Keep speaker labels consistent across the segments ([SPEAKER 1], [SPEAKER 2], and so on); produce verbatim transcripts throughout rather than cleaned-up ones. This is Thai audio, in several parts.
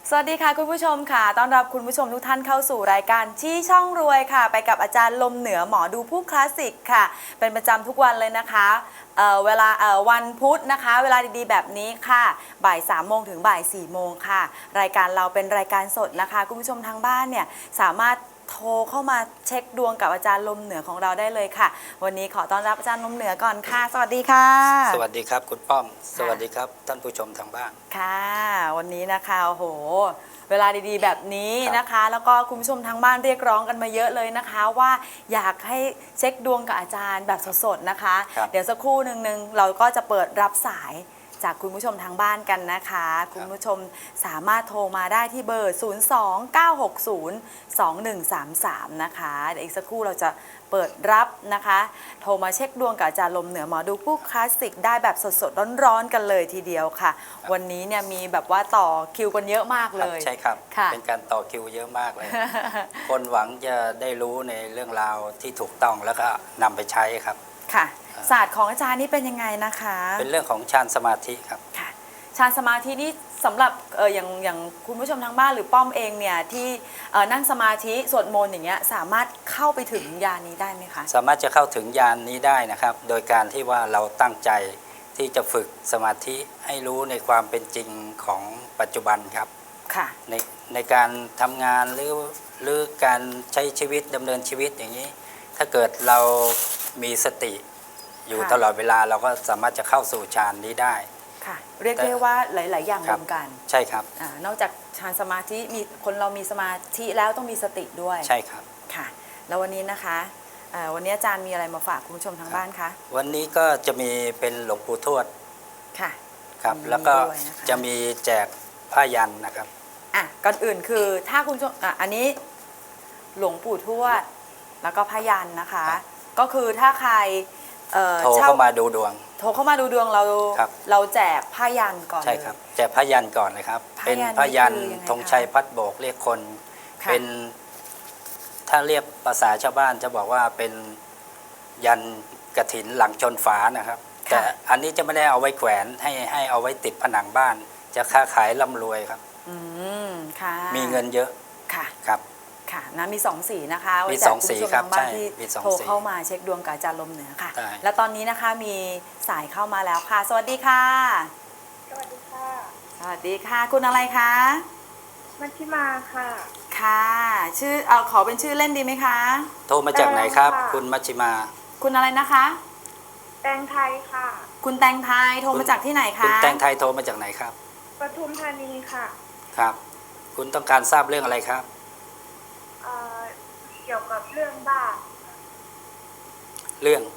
[SPEAKER 1] สวัสดีค่ะคุณผู้ชมค่ะต้อนรับคุณผู้ชมทุกท่านเข้าสู่รายการชี้ช่องรวยค่ะไปกับอาจารย์ลมเหนือหมอดูผู้คลาสสิกค่ะเป็นประจำทุกวันเลยนะคะเอ่อเวลาเอ่อวันพุธนะคะเวลาดีๆแบบนี้ค่ะบ่ายสามโมงถึงบ่ายสี่โมงค่ะรายการเราเป็นรายการสดนะคะคุณผู้ชมทางบ้านเนี่ยสามารถโทรเข้ามาเช็คดวงกับอาจารย์ลมเหนือของเราได้เลยค่ะวันนี้ขอต้อนรับอาจารย์ลมเหนือก่อนค่ะสวัสดีค่ะ
[SPEAKER 2] สวัสดีครับคุณป้อมสวัสดีครับท่านผู้ชมทางบ้าน
[SPEAKER 1] ค่ะวันนี้นะคะโอ้โหเวลาดีๆแบบนี้นะคะแล้วก็คุณผู้ชมทางบ้านเรียกร้องกันมาเยอะเลยนะคะว่าอยากให้เช็คดวงกับอาจารย์แบบสดๆนะคะเดี๋ยวสักครู่หนึ่งนึงเราก็จะเปิดรับสายจากคุณผู้ชมทางบ้านกันนะคะคุณผู้ชมสามารถโทรมาได้ที่เบอร์ ศูนย์ สอง เก้า หก ศูนย์ สอง หนึ่ง สาม สาม นะคะเดี๋ยวอีกสักครู่เราจะเปิดรับนะคะโทรมาเช็คดวงกับอาจารย์ลมเหนือหมอดูผู้คลาสสิกได้แบบสดๆร้อนๆกันเลยทีเดียวค่ะวันนี้เนี่ยมีแบบว่าต่อคิวกันเยอะมากเลย
[SPEAKER 2] ใช่ครับเป็นการต่อคิวเยอะมากเลย คนหวังจะได้รู้ในเรื่องราวที่ถูกต้องแล้วก็นำไปใช้ครับ
[SPEAKER 1] ค่ะศาสตร์ของอาจารย์นี่เป็นยังไงนะคะ
[SPEAKER 2] เป็นเรื่องของฌานสมาธิครับ
[SPEAKER 1] ค่ะฌานสมาธินี่สำหรับเอออย่างอย่างคุณผู้ชมทางบ้านหรือป้อมเองเนี่ยที่นั่งสมาธิสวดมนต์อย่างเงี้ยสามารถเข้าไปถึงญาณนี้ได้ไหมคะ
[SPEAKER 2] สามารถจะเข้าถึงญาณนี้ได้นะครับโดยการที่ว่าเราตั้งใจที่จะฝึกสมาธิให้รู้ในความเป็นจริงของปัจจุบันครับ
[SPEAKER 1] ค่ะ
[SPEAKER 2] ในในการทำงานหรือหรือการใช้ชีวิตดำเนินชีวิตอย่างนี้ถ้าเกิดเรามีสติอยู่ตลอดเวลาเราก็สามารถจะเข้าสู่ฌานนี้ได้
[SPEAKER 1] ค่ะเรียกได้ว่าหลายๆอย่างรวมกัน
[SPEAKER 2] ใช่ครับ
[SPEAKER 1] อนอกจากฌานสมาธิมีคนเรามีสมาธิแล้วต้องมีสติด้วย
[SPEAKER 2] ใช่ครับ
[SPEAKER 1] ค่ะแล้ววันนี้นะคะวันนี้อาจารย์มีอะไรมาฝากคุณผู้ชมทางบ้านคะ
[SPEAKER 2] วันนี้ก็จะมีเป็นหลวงปู่ทวด
[SPEAKER 1] ค่ะ
[SPEAKER 2] ครับแล้วก็จะมีแจกผ้ายันนะครับ
[SPEAKER 1] อ่ะก่อนอื่นคือถ้าคุณผู้ชมอ่ะอันนี้หลวงปู่ทวดแล้วก็ผ้ายันนะคะก็คือถ้าใคร
[SPEAKER 2] โทรเข้ามาดูดวง
[SPEAKER 1] โทรเข้ามาดูดวงเราเราแจกผ้ายันก่อน
[SPEAKER 2] ใช่ครับแจกผ้ายันก่อนเลยครับเป็นผ้ายันธงชัยพัดโบกเรียกคนเป็นถ้าเรียกภาษาชาวบ้านจะบอกว่าเป็นยันกฐินหลังชนฝานะครับแต่อันนี้จะไม่ได้เอาไว้แขวนให้ให้เอาไว้ติดผนังบ้านจะค้าขายร่ำรวยครับ
[SPEAKER 1] อืมค่ะ
[SPEAKER 2] มีเงินเยอะ
[SPEAKER 1] ค่ะ
[SPEAKER 2] ครับ
[SPEAKER 1] ค่ะนะมีสองสีนะคะ
[SPEAKER 2] มีสองสีครับ
[SPEAKER 1] ใช่โทรเข้ามาเช็คดวงกับอาจารย์ลมเหนือค่ะแล้วตอนนี้นะคะมีสายเข้ามาแล้วค่ะสวัสดีค่ะ
[SPEAKER 3] สวัสดีค่ะ
[SPEAKER 1] สวัสดีค่ะคุณอะไรคะ
[SPEAKER 3] มัชชิมาค่ะ
[SPEAKER 1] ค่ะชื่อเอาขอเป็นชื่อเล่นดีไหมคะ
[SPEAKER 2] โทรมาจากไหนครับคุณมัชชิมา
[SPEAKER 1] คุณอะไรนะคะ
[SPEAKER 3] แตงไทยค่ะ
[SPEAKER 1] คุณแตงไทยโทรมาจากที่ไหนคะ
[SPEAKER 2] คุณแตงไทยโทรมาจากไหนครับ
[SPEAKER 3] ปทุมธานีค่ะ
[SPEAKER 2] ครับคุณต้องการทราบเรื่องอะไรครับ
[SPEAKER 3] เอ่อเกี่ยวกับเรื่องบ้าน
[SPEAKER 2] เรื่อง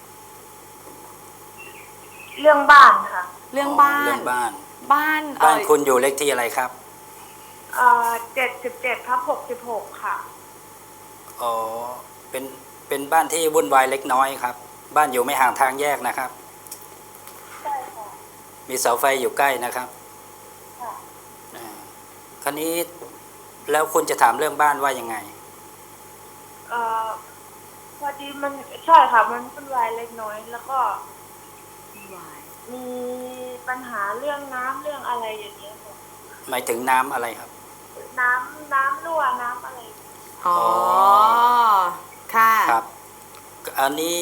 [SPEAKER 3] เรื่องบ้านค่ะ
[SPEAKER 1] เรื่องบ้าน
[SPEAKER 2] เรื่องบ้าน
[SPEAKER 1] บ้าน
[SPEAKER 2] บ้านคุณอยู่เลขที่อะไรครับ
[SPEAKER 3] เอ่อเจ็ดสิบเจ็ดทับหกสิบหกค่ะ
[SPEAKER 2] อ๋อเป็นเป็นบ้านที่วุ่นวายเล็กน้อยครับบ้านอยู่ไม่ห่างทางแยกนะครับ
[SPEAKER 3] ใช่ค่ะ
[SPEAKER 2] มีเสาไฟอยู่ใกล้นะครับ
[SPEAKER 3] ค่ะ
[SPEAKER 2] คราวนี้แล้วคุณจะถามเรื่องบ้านว่ายังไง
[SPEAKER 3] เอ่อพอดีมันใช่ค่ะมันวุ่นวายเล็กน้อยแล้วก็มีปัญหาเรื่องน้ำเรื่องอะไรอย่างเงี้ยค่ะ
[SPEAKER 2] หมายถึงน้ำอะไรครับ
[SPEAKER 3] น้ำน้ำรั่วน้ำอะไร
[SPEAKER 1] อ๋อค่ะ
[SPEAKER 2] ครับอันนี้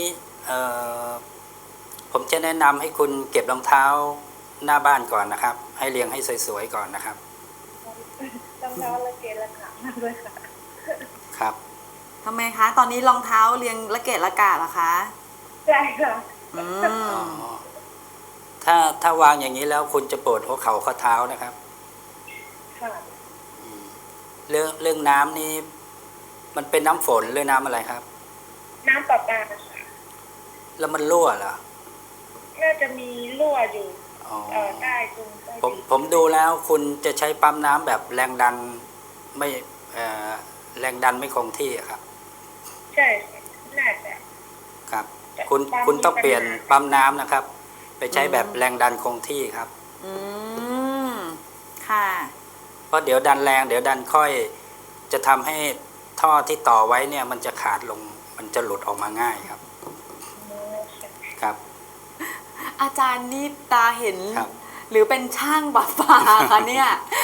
[SPEAKER 2] ผมจะแนะนำให้คุณเก็บรองเท้าหน้าบ้านก่อนนะครับให้เรียงให้สวยๆก่อนนะครับ
[SPEAKER 3] รองเท้าละเกะละกะมากเลยค่ะ
[SPEAKER 2] ครับ
[SPEAKER 1] ทำไมคะตอนนี้รองเท้าเรียงละเกะละกะเหรอคะ
[SPEAKER 3] ใช่ค่ะ
[SPEAKER 1] อืม
[SPEAKER 2] ถ้าถ้าวางอย่างนี้แล้วคุณจะปวดหัวเข่าข้อเท้านะครับ
[SPEAKER 3] ค่ะ
[SPEAKER 2] เรื่องเรื่องน้ำนี้มันเป็นน้ำฝนหรือน้ำอะไรครับ
[SPEAKER 3] น้ำประปาค่ะ
[SPEAKER 2] แล้วมันรั่วเหรอ
[SPEAKER 3] น่าจะมีรั่วอยู่เออใต้ตรงใต้
[SPEAKER 2] ผมผมดูแล้วคุณจะใช้ปั๊มน้ำแบบแรงดันไม่แรงดันไม่คงที่ครับ
[SPEAKER 3] ใช่น่าจะ
[SPEAKER 2] ครับคุณคุณต้องเปลี่ยนปั๊มน้ำนะครับไปใช้แบบแรงดันคงที่ครับ
[SPEAKER 1] อืมค่ะ
[SPEAKER 2] เพราะเดี๋ยวดันแรงเดี๋ยวดันค่อยจะทำให้ท่อที่ต่อไว้เนี่ยมันจะขาดลงมันจะหลุดออกมาง่ายครับครับ
[SPEAKER 1] อาจารย์นี่ตาเห็นหรือเป็นช่างประปาคะเนี่ย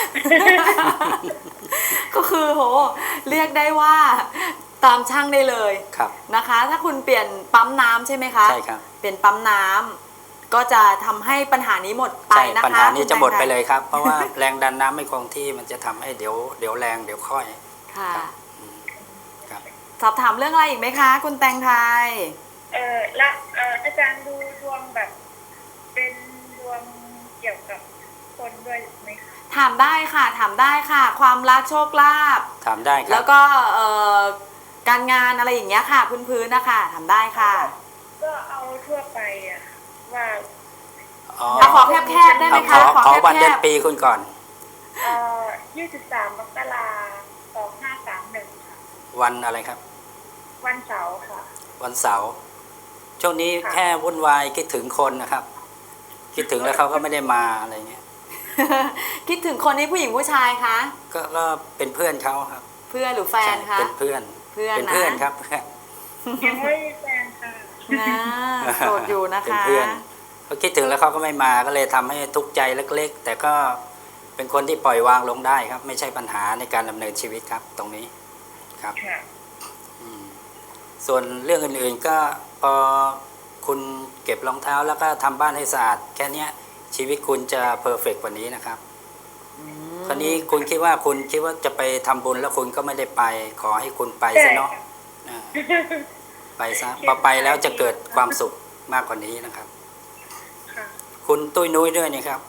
[SPEAKER 1] ก็คือโหเรียกได้ว่าตามช่างได้เลย
[SPEAKER 2] ครับ
[SPEAKER 1] นะคะ ถ้าคุณเปลี่ยนปั๊มน้ำใช่ไหมคะ
[SPEAKER 2] ใช่ครับ
[SPEAKER 1] เปลี่ยนปั๊มน้ำก็จะทำให้ปัญหานี้หมดไป
[SPEAKER 2] ใช่
[SPEAKER 1] นะคะ
[SPEAKER 2] ปัญหานี้จะหมดไป
[SPEAKER 1] คุณแตงไท
[SPEAKER 2] เลยครับ เพราะว่าแรงดันน้ำไม่คงที่มันจะทำให้เดี๋ยวเดี๋ยวแรงเดี๋ยวค่อย
[SPEAKER 1] ค่ะ
[SPEAKER 2] ครับ
[SPEAKER 1] สอบถามเรื่องอะไรอีกไหมคะ คุณแตงไทย
[SPEAKER 3] เออและเอออาจารย์ดูดวงแบบ เป็นดวงเกี่ยวกับคนด้วยไหมคะ
[SPEAKER 1] ถามได้ค่ะ ถามได้ค่ะ ความรักโชคลาภ
[SPEAKER 2] ถามได้ครั
[SPEAKER 1] แล้
[SPEAKER 2] บ
[SPEAKER 1] วก็เอ่อการงานอะไรอย่างเงี้ยค่ะ พื้นๆนะคะถามได้ค่ะ
[SPEAKER 3] ก็เอาทั่วไปอะว่า
[SPEAKER 2] อ๋อ
[SPEAKER 1] เอาขอแคบๆได้ไหม
[SPEAKER 2] เอาข
[SPEAKER 1] คะ
[SPEAKER 2] อขอวัน
[SPEAKER 1] แค
[SPEAKER 2] เดือบ นปีคุณก่อน
[SPEAKER 3] เอ่อยี่สิบสามมกราสองห้าสามหนึ่งค่ะ
[SPEAKER 2] วันอะไรครับ
[SPEAKER 3] วันเสาร์ค่ะ
[SPEAKER 2] วันเสาร์ช่วงนี้
[SPEAKER 3] ค่ะ
[SPEAKER 2] แค่วุ่นวายคิดถึงคนนะครับ คิดถึงแล้วเขาก็ไม่ได้มาอะไรเงี้ย
[SPEAKER 1] ๆ คิดถึงคนนี้ผู้หญิงผู้ชายคะ
[SPEAKER 2] ก็ก็เป็นเพื่อนเขาครับ
[SPEAKER 1] เพื่อนหรือแฟนคะ
[SPEAKER 2] ใช่เป็นเพื่อน
[SPEAKER 1] เพื่อนนะ
[SPEAKER 2] เป็นเพื่อนครับเพื่อน
[SPEAKER 3] ยังไม่มีแฟนค่ะ
[SPEAKER 1] นะโสดอยู่นะ
[SPEAKER 2] เป็น
[SPEAKER 1] คะ
[SPEAKER 2] เพื่อนเขาคิดถึงแล้วเขาก็ไม่มาก็เลยทำให้ทุกข์ใจเล็กๆ แต่ก็เป็นคนที่ปล่อยวางลงได้ครับ ไม่ใช่ปัญหาในการดำเนินชีวิตครับ ตรงนี้ครับ
[SPEAKER 3] ค่ะ
[SPEAKER 2] อืมส่วนเรื่องอื่นๆก็พอคุณเก็บรองเท้าแล้วก็ทำบ้านให้สะอาดแค่เนี้ยชีวิตคุณจะเพอร์เฟกต์กว่านี้นะครับ คราวนี้คุณคิดว่าคุณคิดว่าจะไปทำบุญแล้วคุณก็ไม่ได้ไป ขอให้คุณไปซะเนาะอ่าไปซะพอไปแล้วจะเกิดความสุขมากกว่านี้นะครับ
[SPEAKER 3] ค่ะ
[SPEAKER 2] คุณตุ้ยนุ้ยด้วยนี่ครับ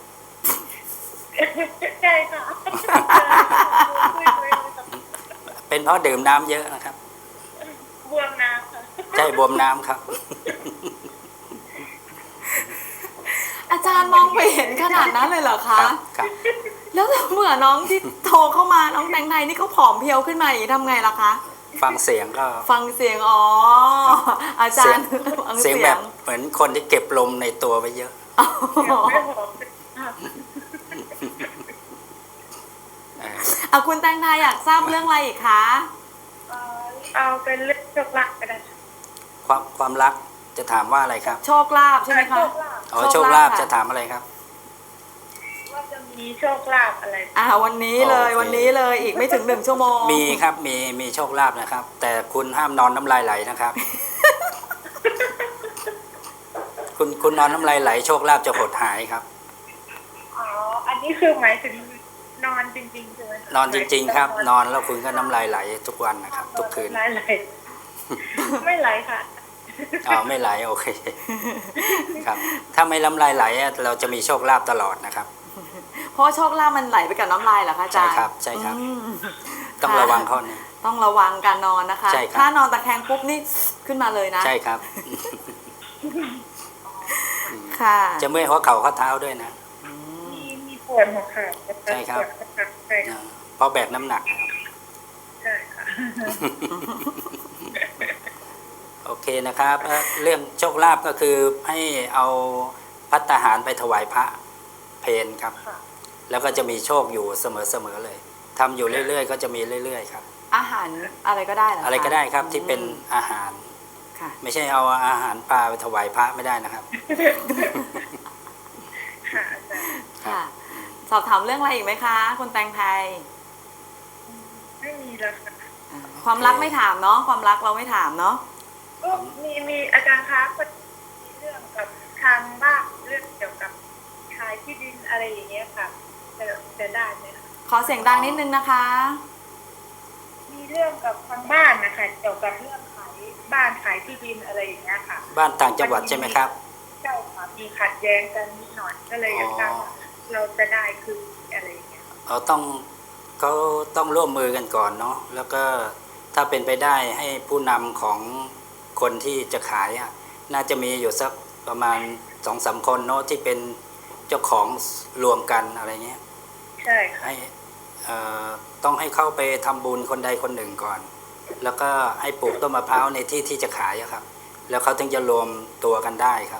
[SPEAKER 3] ใช่ค่ะ
[SPEAKER 2] เป็นเพราะดื่มน้ำเยอะนะครับ
[SPEAKER 3] บวมน้ำค่ะ
[SPEAKER 2] ใช่บวมน้ำครับ
[SPEAKER 1] อาจารย์มองไปเห็นขนาดนั้นเลยเหรอ
[SPEAKER 2] ครั
[SPEAKER 1] คะ
[SPEAKER 2] บครับ
[SPEAKER 1] แล้วเหมือนน้องที่โทรเข้ามาน้องแตงไทยนี่เขาผอมเพรียวขึ้นมาอย่างนี้ทำไงล่ะคะ
[SPEAKER 2] ฟังเสียงก็
[SPEAKER 1] ฟังเสียงอ๋อ อาจารย์ฟัง
[SPEAKER 2] เสียงแบบเหมือนคนที่เก็บลมในตัวไว้เยอะ
[SPEAKER 1] อ๋อ
[SPEAKER 3] ไม่หอมค่ะ
[SPEAKER 2] เอ่อ
[SPEAKER 1] อ่ะคุณแตงไทยอยากทราบเรื่องอะไรอีกคะ
[SPEAKER 3] เอ่อเอาเป็นเรื่องโชคลาภก็ได้ค่ะ
[SPEAKER 2] ความความรักจะถามว่าอะไรครับ
[SPEAKER 1] โชคลาภใช่ไหมคะ
[SPEAKER 3] โชคลาภ
[SPEAKER 2] อ๋อ
[SPEAKER 1] โช
[SPEAKER 2] โช
[SPEAKER 1] ค
[SPEAKER 2] ค
[SPEAKER 1] ลา
[SPEAKER 2] ลา
[SPEAKER 1] ภ
[SPEAKER 2] ภ
[SPEAKER 1] ค่ะ
[SPEAKER 2] จะถามอะไรครับ
[SPEAKER 3] ว่าจะมีโชคลาภอะไร
[SPEAKER 1] อ่าวันนี้เลย
[SPEAKER 2] โอเค
[SPEAKER 1] วันนี้เลยอีกไม่ถึงหนึ่งชั่วโมง
[SPEAKER 2] มีครับมีมีโชคลาภนะครับ แต่คุณห้ามนอนน้ำลายไหลนะครับ คุณคุณนอนน้ำลายไหลโชคลาภจะหดหายครับ
[SPEAKER 3] อ๋อ อันนี้คือหมายถึงนอนจริงๆใช่ไหมคะ
[SPEAKER 2] นอนจริง ๆ ครับ นอนแล้วคุณก็น้ำลายไหลทุกวันนะครับ ทุกคืน
[SPEAKER 3] ไหลไหลไม่ไหลค่ะ
[SPEAKER 2] อ๋อไม่ไหลโอเคครับ ถ้าไม่น้ำลายไหลอะเราจะมีโชคลาภตลอดนะครับ
[SPEAKER 1] เพราะว่าโชคลาภมันไหลไปกับน้ำลายเหรอคะอาจารย์
[SPEAKER 2] ใช่ครับใช่ครับ
[SPEAKER 1] อืม
[SPEAKER 2] ต้อง
[SPEAKER 1] ค่ะ
[SPEAKER 2] ระวังข้อนี้
[SPEAKER 1] ต้องระวังการนอนนะคะ
[SPEAKER 2] ใช่ครับ
[SPEAKER 1] ถ้านอนตะแคงปุ๊บนี่ขึ้นมาเลยนะ
[SPEAKER 2] ใช่ครับ
[SPEAKER 1] ค่ะ
[SPEAKER 2] จะเมื่อยหัวเข่าข้อเท้าด้วยนะ
[SPEAKER 3] มีมีปวดหัวเข่า
[SPEAKER 2] ใช่ครับ
[SPEAKER 3] ปวดหัวเข่าใช่ค่ะ
[SPEAKER 2] เพราะแบกน้ำหนักนะครับ
[SPEAKER 3] ใช่ค่ะ
[SPEAKER 2] โอเคนะครับเอ่อเรื่องโชคลาภก็คือให้เอาภัตตาหารไปถวายพระเพนครับ
[SPEAKER 3] ค่ะ
[SPEAKER 2] แล้วก็จะมีโชคอยู่เสมอๆเลยทำอยู่เรื่อยๆ ก็จะมีเรื่อยๆครับ
[SPEAKER 1] อาหารอะไรก็ได้เหรอคะ
[SPEAKER 2] อะไรก็ได้ครับที่เป็นอาหาร
[SPEAKER 1] ค่ะ
[SPEAKER 2] ไม่ใช่เอาอาหารปลาไปถวายพระไม่ได้นะครับ
[SPEAKER 3] ค่ะอาจารย์
[SPEAKER 1] ค่ะ สอบถามเรื่องอะไรอีกไหมคะ คุณแตงไทย
[SPEAKER 3] ไม่มีแล้วค่ะ
[SPEAKER 1] ความรักไม่ถามเนาะความรักเราไม่ถามเนาะ
[SPEAKER 3] ก็มีมีอาจารย์คะก็มีเรื่องกับทางบ้านเรื่องเกี่ยวกับขายที่ดินอะไรอย่างเงี้ยค่ะจะจะได้ไหมคะ
[SPEAKER 1] ขอเสียงดังนิดนึงนะคะ
[SPEAKER 3] มีเรื่องกับทางบ้านนะคะเกี่ยวกับเรื่องขายบ้านขายที่ดินอะไรอย่างเงี้ยค่ะ
[SPEAKER 2] บ้านต่างจังหวัดใช่ไหมครับ
[SPEAKER 3] เจ้าค่ะมีขัดแย้งกันนิดหน่อยก็เลยอยากทราบว่าเราจะได้คืออะไรอย่างเงี้ย
[SPEAKER 2] เราต้องเขาต้องร่วมมือกันก่อนเนาะแล้วก็ถ้าเป็นไปได้ให้ผู้นำของคนที่จะขายอะน่าจะมีอยู่สักประมาณสองสามคนเนาะที่เป็นเจ้าของรวมกันอะไรเงี้ย
[SPEAKER 3] ใช่ค่ะ
[SPEAKER 2] ให้เอ่อต้องให้เข้าไปทำบุญคนใดคนหนึ่งก่อน แล้วก็ให้ปลูกต้นมะพร้าวในที่ที่จะขายอะครับ แล้วเขาถึงจะรวมตัวกันได้ครับ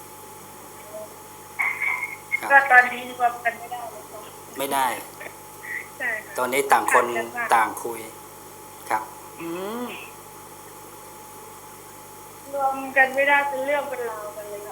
[SPEAKER 2] ครับ
[SPEAKER 3] ก็ตอนนี้รวมกันไม่ได้เลยค่ะ
[SPEAKER 2] ไม่ได้
[SPEAKER 3] ใช่ค่ะ
[SPEAKER 2] ตอนนี้ต่างคนต่างคุยครับ
[SPEAKER 1] อืม
[SPEAKER 3] รวมกันไม่ได้เป็นเรื่องเป็นราวกันเลยค่ะตอนนี้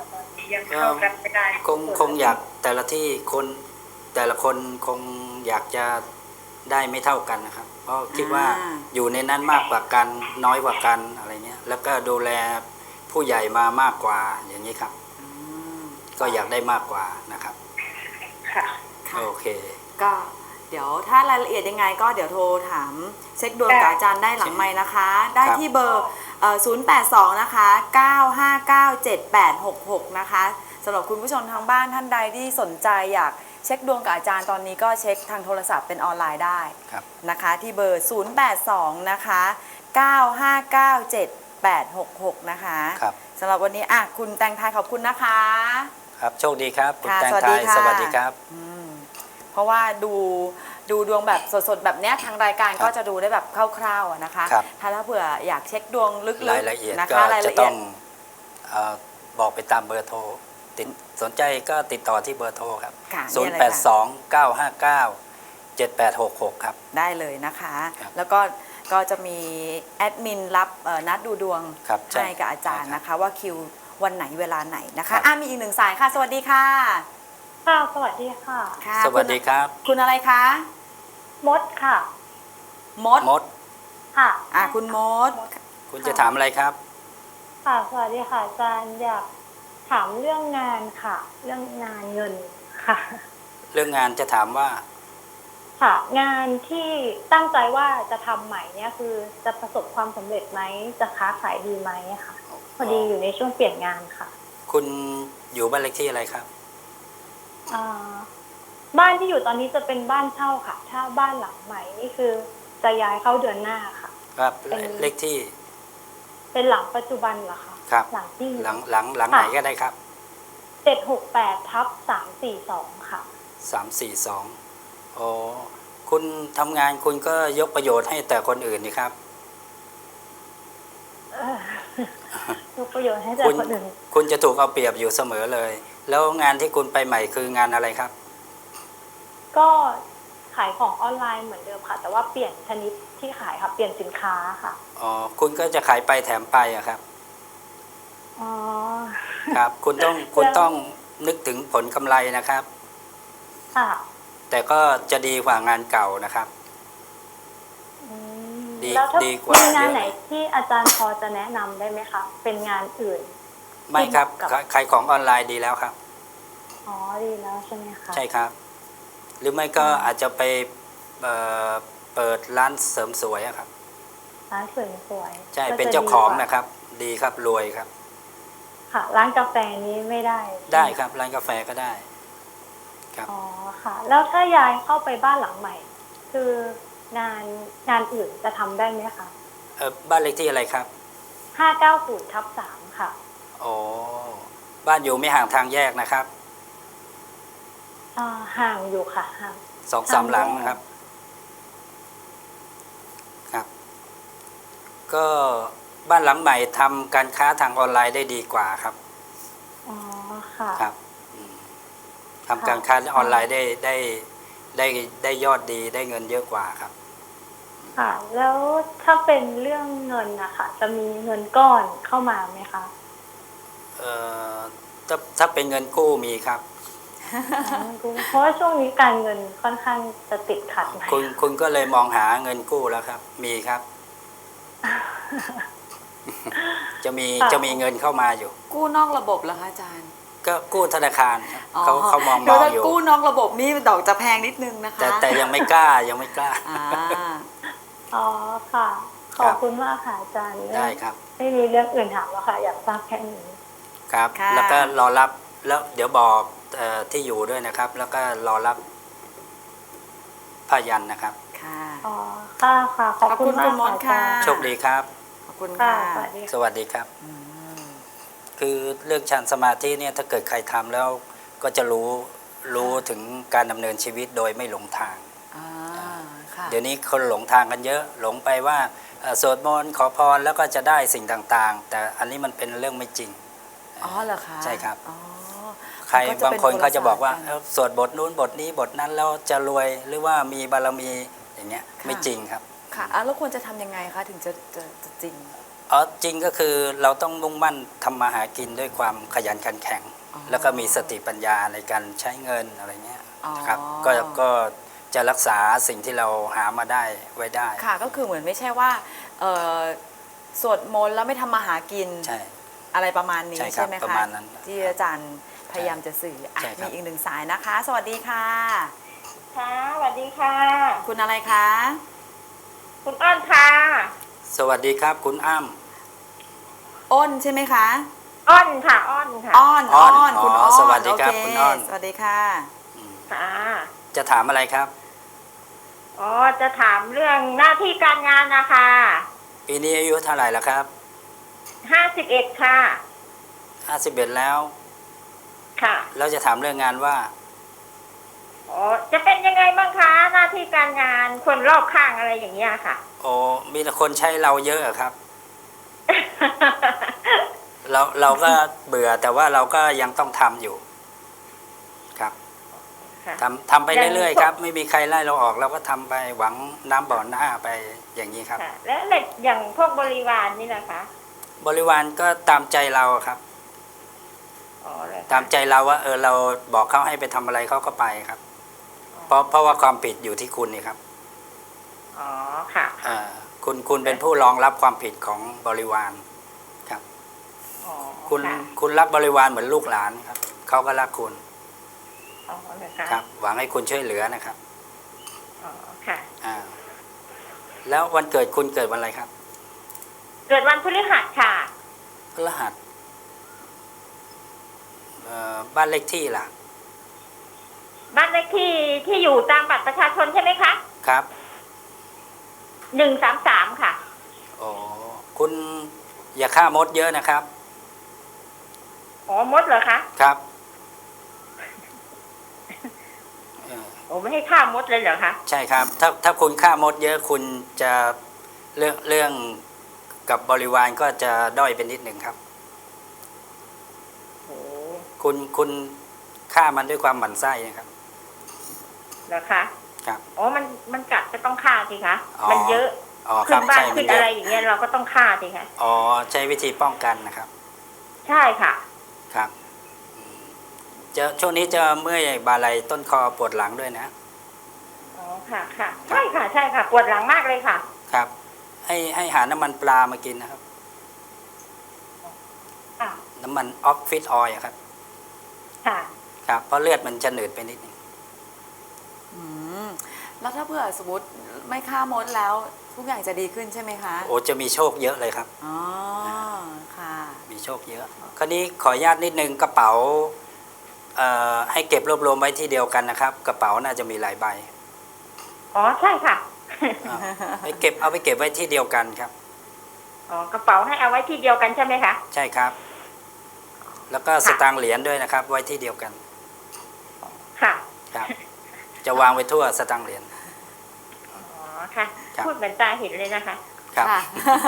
[SPEAKER 3] ยังเข้ากันไม่ได้
[SPEAKER 2] คงคงอยากแต่ละที่คนแต่ละคนคงอยากจะได้ไม่เท่ากันนะครับ เพราะคิดว่า
[SPEAKER 1] อ่า
[SPEAKER 2] อยู่ในนั้นมากกว่ากันน้อยกว่ากันอะไรเงี้ยแล้วก็ดูแลผู้ใหญ่มามากกว่าอย่างนี้ครับ
[SPEAKER 1] อืม
[SPEAKER 2] ก็อยากได้มากกว่านะครับ
[SPEAKER 3] ค่ะ
[SPEAKER 1] ค่ะ
[SPEAKER 2] โอเค
[SPEAKER 1] ก็เดี๋ยวถ้ารายละเอียดยังไงก็เดี๋ยวโทรถามเช็คดวงกับอาจารย์ได้หลังไมค์นะคะ ได้
[SPEAKER 2] ครับ
[SPEAKER 1] ที่เบอร์เอ่อศูนย์ แปด สอง นะคะ เก้า ห้า เก้า เจ็ด แปด หก หก นะคะสำหรับคุณผู้ชมทางบ้านท่านใดที่สนใจอยากเช็คดวงกับอาจารย์ตอนนี้ก็เช็คทางโทรศัพท์เป็นออนไลน์ได้
[SPEAKER 2] ครับ
[SPEAKER 1] นะคะที่เบอร์ ศูนย์ แปด สอง นะคะ เก้า ห้า เก้า เจ็ด แปด หก หก นะคะ
[SPEAKER 2] ครับ
[SPEAKER 1] สำหรับวันนี้อ่ะคุณแตงไทยขอบคุณนะคะ
[SPEAKER 2] ครับโชคดีครับคุณ
[SPEAKER 1] ค่ะ
[SPEAKER 2] แตง
[SPEAKER 1] สวัส
[SPEAKER 2] ไท
[SPEAKER 1] ดี
[SPEAKER 2] ย
[SPEAKER 1] ค่ะ
[SPEAKER 2] สวัสดีครับ
[SPEAKER 1] อืมเพราะว่าดูดูดวงแบบสดๆ แบบเนี้ยทางรายการ
[SPEAKER 2] ครับ
[SPEAKER 1] ก็จะดูได้แบบคร่าวๆอะนะคะ
[SPEAKER 2] ครับ
[SPEAKER 1] ถ้าถ้าเผื่ออยากเช็คดวงลึกๆ
[SPEAKER 2] รายละเอียด
[SPEAKER 1] นะ
[SPEAKER 2] ก็
[SPEAKER 1] คะราย
[SPEAKER 2] จะ
[SPEAKER 1] ละเอี
[SPEAKER 2] ต้
[SPEAKER 1] ย
[SPEAKER 2] อ
[SPEAKER 1] ด
[SPEAKER 2] งเอ่อบอกไปตามเบอร์โทรติดสนใจก็ติดต่อที่เบอร์โทรครับ
[SPEAKER 1] ค่ะ
[SPEAKER 2] ศูน
[SPEAKER 1] นี่
[SPEAKER 2] ย์
[SPEAKER 1] เลย
[SPEAKER 2] แปด ส
[SPEAKER 1] ค่ะ
[SPEAKER 2] อง เก้า ห้า เก้า เจ็ด แปด หก หก ครับ
[SPEAKER 1] ได้เลยนะคะ
[SPEAKER 2] ครับ
[SPEAKER 1] แล้วก็ก็จะมีแอดมินรับเอ่อนัดดูดวง
[SPEAKER 2] ครับใช่
[SPEAKER 1] ให้กับอาจารย์
[SPEAKER 2] ใช่ครับ
[SPEAKER 1] นะคะ ว่าคิววันไหนเวลาไหนนะ
[SPEAKER 2] ครั
[SPEAKER 1] คะ
[SPEAKER 2] บ
[SPEAKER 1] อ่ะมีอีกหนึ่งสายค่ะ สวัสดีค่ะ
[SPEAKER 3] ค่ะ สวัสดีค่ะ
[SPEAKER 1] ค่ะ
[SPEAKER 2] สวัสดีครับ
[SPEAKER 1] คุณคุณอะไรคะ
[SPEAKER 3] มดค่ะ
[SPEAKER 1] มด
[SPEAKER 2] มด
[SPEAKER 3] ค่ะ
[SPEAKER 1] อ่ะคุณมด
[SPEAKER 2] คุณจะถามอะไรครับ
[SPEAKER 3] ค่ะ สวัสดีค่ะอาจารย์อยากถามเรื่องงานค่ะ เรื่องงานเงินค่ะ
[SPEAKER 2] เรื่องงานจะถามว่า
[SPEAKER 3] ค่ะ งานที่ตั้งใจว่าจะทำใหม่เนี่ยคือจะประสบความสำเร็จไหม จะค้าขายดีไหมค่ะ พอดีอยู่ในช่วงเปลี่ยนงานค่ะ
[SPEAKER 2] คุณอยู่บ้านเลขที่อะไรครับ
[SPEAKER 3] อ่าบ้านที่อยู่ตอนนี้จะเป็นบ้านเช่าค่ะ ถ้าบ้านหลังใหม่นี่คือจะย้ายเข้าเดือนหน้าค่ะ
[SPEAKER 2] ครับ
[SPEAKER 3] เป็น
[SPEAKER 2] เลขที่
[SPEAKER 3] เป็นหลังปัจจุบันเหรอคะ
[SPEAKER 2] ครับ
[SPEAKER 3] หลังที่
[SPEAKER 2] หลังหลังหลังไหนก็ได้ครับ
[SPEAKER 3] เจ็ดหกแปดทับสามสี่สองค่ะ
[SPEAKER 2] สามสี่สองโอ้คุณทำงานคุณก็ยกประโยชน์ให้แต่คนอื่นนี่ครับ
[SPEAKER 3] เออ ยกประโยชน์ให้แต่
[SPEAKER 2] คุณ
[SPEAKER 3] คนอื่น
[SPEAKER 2] คุณจะถูกเอาเปรียบอยู่เสมอเลย แล้วงานที่คุณไปใหม่คืองานอะไรครับ
[SPEAKER 3] ก็ขายของออนไลน์เหมือนเดิมค่ะ แต่ว่าเปลี่ยนชนิดที่ขายค่ะ เปลี่ยนสินค้าค่ะ
[SPEAKER 2] อ๋อ คุณก็จะขายไปแถมไปอะครับ
[SPEAKER 3] อ๋อ
[SPEAKER 2] ครับ คุณต้องคุณต้องนึกถึงผลกำไรนะครับ
[SPEAKER 3] ค่ะ
[SPEAKER 2] แต่ก็จะดีกว่างานเก่านะครับ
[SPEAKER 3] อืม
[SPEAKER 2] ดี
[SPEAKER 3] แล้วถ้า
[SPEAKER 2] ดีกว่า
[SPEAKER 3] มีงาน
[SPEAKER 2] เยอะ
[SPEAKER 3] ไหนที่อาจารย์พอจะแนะนำได้ไหมคะ เป็นงานอื่น
[SPEAKER 2] ไม่ครับ
[SPEAKER 3] กับ
[SPEAKER 2] ขายขายของออนไลน์ดีแล้วครับ
[SPEAKER 3] อ๋อ ดีแล้วใช่ไหมคะ
[SPEAKER 2] ใช่ครับ หรือไม่ก็อาจจะไปเอ่อเปิดร้านเสริมสวยอะครับ
[SPEAKER 3] ร้านสวยสวย
[SPEAKER 2] ใช่
[SPEAKER 3] ก็
[SPEAKER 2] เป็น
[SPEAKER 3] จะ
[SPEAKER 2] เจ้าของ
[SPEAKER 3] ดีกว่
[SPEAKER 2] นะครับ ดีครับรวยครับ
[SPEAKER 3] ค่ะ ร้านกาแฟนี้ไม่ได้
[SPEAKER 2] ได้ครับร้านกาแฟก็ได้ ครับ
[SPEAKER 3] อ๋อ ค่ะ แล้วถ้าย้ายเข้าไปบ้านหลังใหม่ คืองานงานอื่นจะทำได้ไหมคะ
[SPEAKER 2] เออบ้านเลขที่อะไรครับ
[SPEAKER 3] ห้าเก้าศูนย์ทับสามค่ะ
[SPEAKER 2] โอ้บ้านอยู่ไม่ห่างทางแยกนะครับ
[SPEAKER 3] อ่า ห่างอยู่ค่ะ ห่าง
[SPEAKER 2] สองสามหลังนะครับ ครับ ก็บ้านหลังใหม่ทำการค้าทางออนไลน์ได้ดีกว่าครับ
[SPEAKER 3] อ๋อ ค่ะ
[SPEAKER 2] ครับอืมทำการค้าออนไลน์ได้ได้ได้ได้ยอดดีได้เงินเยอะกว่าครับ
[SPEAKER 3] ค่ะ แล้วถ้าเป็นเรื่องเงินนะคะ จะมีเงินก้อนเข้ามาไหมคะ
[SPEAKER 2] เอ่อถ้าถ้าเป็นเงินกู้มีครับ
[SPEAKER 3] อ๋อเพราะว่าช่วงนี้การเงินค่อนข้างจะติดขัดหน่อย
[SPEAKER 2] คุณคุณก็เลยมองหาเงินกู้แล้วครับ มีครับ จะมี
[SPEAKER 3] ค่ะ
[SPEAKER 2] จะมีเงินเข้ามาอยู่
[SPEAKER 1] กู้นอกระบบเหรอคะอาจารย์
[SPEAKER 2] ก็กู้ธนาคารครับเขาเขามองมอง
[SPEAKER 1] ถ้า
[SPEAKER 2] อยู่
[SPEAKER 1] กู้นอกระบบนี่ดอกจะแพงนิดนึงนะคะ
[SPEAKER 2] แต่แต่ยังไม่กล้ายังไม่กล้า
[SPEAKER 1] อ่า
[SPEAKER 3] อ๋อ ค่ะ ขอบคุณมากค่ะอาจารย์
[SPEAKER 2] ได้ครับ
[SPEAKER 3] ไม่มีเรื่องอื่นถามแล้วค่ะ อยากทราบแค่นี้
[SPEAKER 2] ครับ
[SPEAKER 1] ค่ะ
[SPEAKER 2] แล้วก็รอรับแล้วเดี๋ยวบอกเอ่อที่อยู่ด้วยนะครับ แล้วก็รอรับผ้ายันนะครับ
[SPEAKER 1] ค่ะ
[SPEAKER 3] อ๋อ ค่ะ ค่ะ ขอบคุณ
[SPEAKER 1] ขอบคุณ
[SPEAKER 3] มาก
[SPEAKER 1] คุณมด
[SPEAKER 3] ค่ะ
[SPEAKER 1] ค่ะ
[SPEAKER 3] อาจารย์
[SPEAKER 2] โชคดีครับ
[SPEAKER 1] ขอบคุณ
[SPEAKER 3] ค่ะ
[SPEAKER 1] ค่ะ
[SPEAKER 3] สวัสดีค่ะ
[SPEAKER 2] สวัสดีครับ
[SPEAKER 1] อืม
[SPEAKER 2] คือเรื่องฌานสมาธิเนี่ยถ้าเกิดใครทำแล้วก็จะรู้รู้ถึงการดำเนินชีวิตโดยไม่หลงทาง
[SPEAKER 1] อ่าค่ะ
[SPEAKER 2] เดี๋ยวนี้คนหลงทางกันเยอะหลงไปว่าเอ่อสวดมนต์ขอพรแล้วก็จะได้สิ่งต่างๆ แต่อันนี้มันเป็นเรื่องไม่จริง
[SPEAKER 1] อ๋อเหรอคะ
[SPEAKER 2] ใช่ครับ
[SPEAKER 1] อ๋อ
[SPEAKER 2] ใคร
[SPEAKER 1] มันก็จะ
[SPEAKER 2] บางคนเขาจะบอกว่า
[SPEAKER 1] เป็นคนละ
[SPEAKER 2] เอ้าสวดบทนู้นบทนี้บทนั้นแล้วจะรวยหรือว่ามีบารมีอย่างเงี้ย
[SPEAKER 1] ค่ะ
[SPEAKER 2] ไม่จริงครับ
[SPEAKER 1] ค่ะอ่ะแล้วควรจะทำยังไงคะถึงจะจะจะจริง
[SPEAKER 2] อ๋อจริงก็คือเราต้องมุ่งมั่นทำมาหากินด้วยความขยันขันแข็ง
[SPEAKER 1] ออ๋อ
[SPEAKER 2] แล้วก็มีสติปัญญาในการใช้เงินอะไรเงี้ย
[SPEAKER 1] อ๋อ
[SPEAKER 2] ครับก็ก็จะรักษาสิ่งที่เราหามาได้ไว้ได้
[SPEAKER 1] ค่ะก็คือเหมือนไม่ใช่ว่าเอ่อสวดมนต์แล้วไม่ทำมาหากิน
[SPEAKER 2] ใช่
[SPEAKER 1] อะไรประมาณนี้
[SPEAKER 2] ใช่ครับ
[SPEAKER 1] ใช่ไหม
[SPEAKER 2] ประ
[SPEAKER 1] คะ
[SPEAKER 2] มาณนั้น
[SPEAKER 1] ที่อาจารย์พยายามจะสื่ออ่ะ
[SPEAKER 2] ใช่ครั
[SPEAKER 1] มี
[SPEAKER 2] บ
[SPEAKER 1] อีกหนึ่งสายนะคะ สวัสดีค่ะ
[SPEAKER 3] ค่ะสวัสดีค่ะ
[SPEAKER 1] คุณอะไรคะ
[SPEAKER 3] คุณอ้อนค่ะ
[SPEAKER 2] สวัสดีครับคุณอ้ำ
[SPEAKER 1] อ้นใช่ไหมคะ
[SPEAKER 3] อ้อนค่ะ อ้อนค่ะ
[SPEAKER 1] อ้อน
[SPEAKER 2] อ้
[SPEAKER 1] อ้
[SPEAKER 2] อน
[SPEAKER 1] อนคุณ
[SPEAKER 2] อ๋อ
[SPEAKER 1] อ้อน
[SPEAKER 2] สวัสดีครับ
[SPEAKER 1] โเ
[SPEAKER 2] คุณอ้อน
[SPEAKER 1] สวัสดีค่ะ
[SPEAKER 3] ค่ะ
[SPEAKER 2] จะถามอะไรครับ
[SPEAKER 3] อ๋อ จะถามเรื่องหน้าที่การงานนะคะ
[SPEAKER 2] ปีนี้อายุเท่าไหร่แล้วครับ
[SPEAKER 3] ห้าสิบเอ็ดค่ะ
[SPEAKER 2] ห้าสิบเอ็ดแล้ว
[SPEAKER 3] ค่ะ
[SPEAKER 2] แล้วจะถามเรื่องงานว่า
[SPEAKER 3] อ๋อ จะเป็นยังไงบ้างคะ หน้าที่การงานคนรอบข้างอะไรอย่างเงี้ยค่ะ
[SPEAKER 2] โอ้มีแต่คนใช้เราเยอะอะครับ เราเราก็เบื่อแต่ว่าเราก็ยังต้องทำอยู่ ครับ
[SPEAKER 3] ค่ะ
[SPEAKER 2] ทำทำไปเรื่อยๆครับ ไม่มีใครไล่เราออก เราก็ทำไปหวังน้ำบ่อหน้าไปอย่างนี้ครับ
[SPEAKER 3] ค่ะ แล้วอย่างพวกบริวารนี่นะคะ
[SPEAKER 2] บริวารก็ตามใจเราครับ
[SPEAKER 3] อ๋อเลยค่ะ
[SPEAKER 2] ตามใจเราว่า เออเราบอกเขาให้ไปทำอะไรเขาก็ไปครับ เพราะเพราะว่าความผิดอยู่ที่คุณนี่ครับ
[SPEAKER 3] อ๋อ ค่ะ
[SPEAKER 2] อ่าคุณคุณเป็นผู้รองรับความผิดของบริวารครับ
[SPEAKER 3] อ๋อ
[SPEAKER 2] คุณ
[SPEAKER 3] ค่ะ
[SPEAKER 2] คุณรับบริวารเหมือนลูกหลานครับเขาก็รักคุณ
[SPEAKER 3] อ๋อเลยค่ะ
[SPEAKER 2] ครับ หวังให้คุณช่วยเหลือนะครับ
[SPEAKER 3] อ๋อ ค่ะ
[SPEAKER 2] อ่าแล้ววันเกิดคุณเกิดวันอะไรครับ
[SPEAKER 3] เกิดวันพฤหัสค่ะ
[SPEAKER 2] พฤหัสเอ่อบ้านเลขที่ล่ะ
[SPEAKER 3] บ้านเลขที่ที่อยู่ตามบัตรประชาชนใช่ไหมคะ
[SPEAKER 2] ครับ
[SPEAKER 3] หนึ่งสามสามค่ะ
[SPEAKER 2] โอ้คุณอย่าฆ่ามดเยอะนะครับ
[SPEAKER 3] อ๋อ มดเหรอคะ
[SPEAKER 2] ครับเออ
[SPEAKER 3] โอ้ไม่ให้ฆ่ามดเลยเหรอคะ
[SPEAKER 2] ใช่ครับ ถ้าถ้าคุณฆ่ามดเยอะคุณจะเรื่องเรื่องกับบริวารก็จะด้อยเป็นนิดหนึ่งครับ
[SPEAKER 3] โอ้
[SPEAKER 2] คุณคุณฆ่ามันด้วยความหมั่นไส้นะครับ
[SPEAKER 3] เหรอคะ
[SPEAKER 2] ครับ
[SPEAKER 3] อ๋อ มัน มันกัดก็ต้องฆ่าสิคะ
[SPEAKER 2] อ๋อ
[SPEAKER 3] มันเยอะ
[SPEAKER 2] อ๋อค
[SPEAKER 3] ขึ้
[SPEAKER 2] รับ
[SPEAKER 3] นบ้าน
[SPEAKER 2] ใช่มั
[SPEAKER 3] ขึ้
[SPEAKER 2] น
[SPEAKER 3] น
[SPEAKER 2] เย
[SPEAKER 3] อะไร
[SPEAKER 2] อะ
[SPEAKER 3] อย่างเงี้ยเราก็ต้องฆ่าสิคะ
[SPEAKER 2] อ๋อใช้วิธีป้องกันนะครับ
[SPEAKER 3] ใช่ค่ะ
[SPEAKER 2] ครับอืมจะช่วงนี้จะเมื่อยบ่าไหล่ต้นคอปวดหลังด้วยนะ
[SPEAKER 3] อ๋อ ค่ะ ค่ะ ใช่ค่ะ ใช่ค่ะ ปวดหลังมากเลยค่ะ
[SPEAKER 2] ครับ ให้ให้หาน้ำมันปลามากินนะครับ
[SPEAKER 3] อ่ะ
[SPEAKER 2] น้ำมันออฟฟิศออยล์ครับ
[SPEAKER 3] ค่ะ
[SPEAKER 2] ครับเพราะเลือดมันจะหนืดไปนิดนึง
[SPEAKER 1] อืมแล้วถ้าเผื่อสมมติไม่ฆ่ามดแล้วทุกอย่างจะดีขึ้นใช่ไหมคะ
[SPEAKER 2] โอ้จะมีโชคเยอะเลยครับ
[SPEAKER 1] อ๋อค่ะ
[SPEAKER 2] มีโชคเยอะ คราวนี้ขออนุญาตนิดนึงกระเป๋าเอ่อให้เก็บรวบรวมไว้ที่เดียวกันนะครับ กระเป๋าน่าจะมีหลายใบ
[SPEAKER 3] อ๋อ ใช่ค่ะ
[SPEAKER 2] อ่าไปเก็บเอาไปเก็บไว้ที่เดียวกันครับ
[SPEAKER 3] อ๋อ กระเป๋าให้เอาไว้ที่เดียวกันใช่ไหมคะ
[SPEAKER 2] ใช่ครับ แล้วก็สตางค์เหรียญด้วยนะครับ ไว้ที่เดียวกัน
[SPEAKER 3] ค่ะ
[SPEAKER 2] ครับ จะวางไว้ทั่วสตางค์เหรียญ
[SPEAKER 3] อ๋อ ค่ะ
[SPEAKER 2] ครับ
[SPEAKER 3] พูดเหมือนตาเห็นเลยนะคะ
[SPEAKER 2] ครับ
[SPEAKER 1] ค่ะ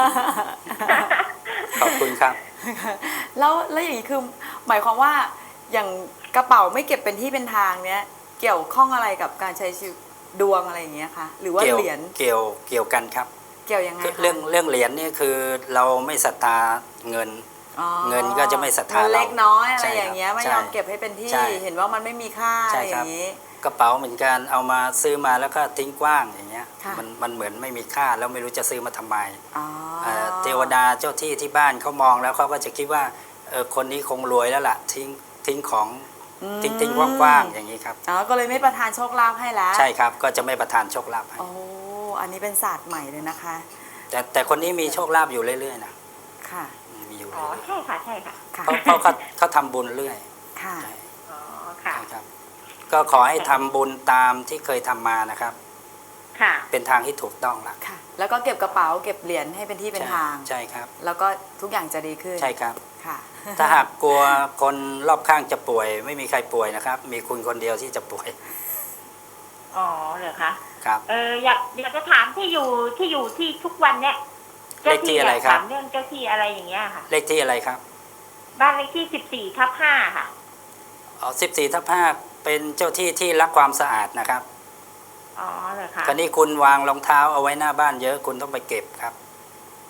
[SPEAKER 2] ขอบคุณครับ
[SPEAKER 1] แล้วแล้วอย่างนี้คือหมายความว่าอย่างกระเป๋าไม่เก็บเป็นที่เป็นทางเนี้ยเกี่ยวข้องอะไรกับการใช้ชีวิตดวงอะไรอย่างเงี้ยคะหรือว่า
[SPEAKER 2] เกี่ยว
[SPEAKER 1] เหรียญ
[SPEAKER 2] เกี่ยวเกี่ยวกันครับ
[SPEAKER 1] เกี่ยวยังไง
[SPEAKER 2] คือ
[SPEAKER 1] คะ
[SPEAKER 2] เรื่องเรื่องเหรียญนี่คือเราไม่ศรัทธาเงิน
[SPEAKER 1] อ๋อ
[SPEAKER 2] เงินก็จะไม่ศรัทธา
[SPEAKER 1] เงินเล็กน้อยอะไร
[SPEAKER 2] ใช่ครับ
[SPEAKER 1] อย่างเงี้ยไม่
[SPEAKER 2] ใช่
[SPEAKER 1] ยอมเก็บให้เป็นที่
[SPEAKER 2] ใช่
[SPEAKER 1] เห็นว่ามันไม่มีค่า
[SPEAKER 2] ใช่
[SPEAKER 1] อะไรอ
[SPEAKER 2] ครับ
[SPEAKER 1] ย่างนี้
[SPEAKER 2] กระเป๋าเหมือนกันเอามาซื้อมาแล้วก็ทิ้งกว้างอย่างเงี้ย
[SPEAKER 1] ค่ะ
[SPEAKER 2] มันมันเหมือนไม่มีค่าแล้วไม่รู้จะซื้อมาทำไม
[SPEAKER 1] อ๋อ
[SPEAKER 2] เอ่อเทวดาเจ้าที่ที่บ้านเขามองแล้วเขาก็จะคิดว่าเออคนนี้คงรวยแล้วล่ะทิ้งทิ้งของ
[SPEAKER 1] อืม
[SPEAKER 2] ทิ้งทิ้งกว้างๆอย่างนี้ครับ
[SPEAKER 1] อ๋อก็เลยไม่ประทานโชคลาภให้แล้ว
[SPEAKER 2] ใช่ครับก็จะไม่ประทานโชคลาภให้
[SPEAKER 1] โอ้อันนี้เป็นศาสตร์ใหม่เลยนะคะ
[SPEAKER 2] แต่แต่คนนี้มีโชคลาภอยู่เรื่อยๆนะ
[SPEAKER 1] ค่ะ
[SPEAKER 2] มีอยู่
[SPEAKER 3] อ๋อ
[SPEAKER 2] เรื่อย
[SPEAKER 3] ใช่ค่ะ ใช่ค่ะ
[SPEAKER 1] ค่ะ
[SPEAKER 2] ๆเพราะเพราะเขาเขาทำบุญเรื่อย
[SPEAKER 1] ค่ะ
[SPEAKER 2] ใช่
[SPEAKER 3] อ๋อ ค่ะ
[SPEAKER 2] ใช่ครับ ก็ขอให้ทำบุญตามที่เคยทำมานะครับ
[SPEAKER 3] ค่ะ
[SPEAKER 2] เป็นทางที่ถูกต้องละ
[SPEAKER 1] ค่ะ แล้วก็เก็บกระเป๋าเก็บเหรียญให้เป็นที่เป็น
[SPEAKER 2] ใช่
[SPEAKER 1] ทาง
[SPEAKER 2] ใช่ครับ
[SPEAKER 1] แล้วก็ทุกอย่างจะดีขึ้น
[SPEAKER 2] ใช่ครับ
[SPEAKER 1] ค่ะ
[SPEAKER 2] ถ้าหากกลัวคนรอบข้างจะป่วย ไม่มีใครป่วยนะครับ มีคุณคนเดียวที่จะป่วย
[SPEAKER 3] อ๋อ เหรอคะ
[SPEAKER 2] ครับ
[SPEAKER 3] เออ อยากอยากจะถามที่อยู่ที่อยู่ที่ทุกวันเนี่ย
[SPEAKER 2] เลขที่อะไรครับ
[SPEAKER 3] ถามเรื่องเจ้าที่อะไรอย่างเงี้ยค่ะ
[SPEAKER 2] เลขที่อะไรครับ
[SPEAKER 3] บ้านเลขที่สิบสี่ทับห้าค่ะ
[SPEAKER 2] อ๋อสิบสี่ทับห้าเป็นเจ้าที่ที่รักความสะอาดนะครับ
[SPEAKER 3] อ๋อ เหรอคะ
[SPEAKER 2] คราวนี้คุณวางรองเท้าเอาไว้หน้าบ้านเยอะคุณต้องไปเก็บครับ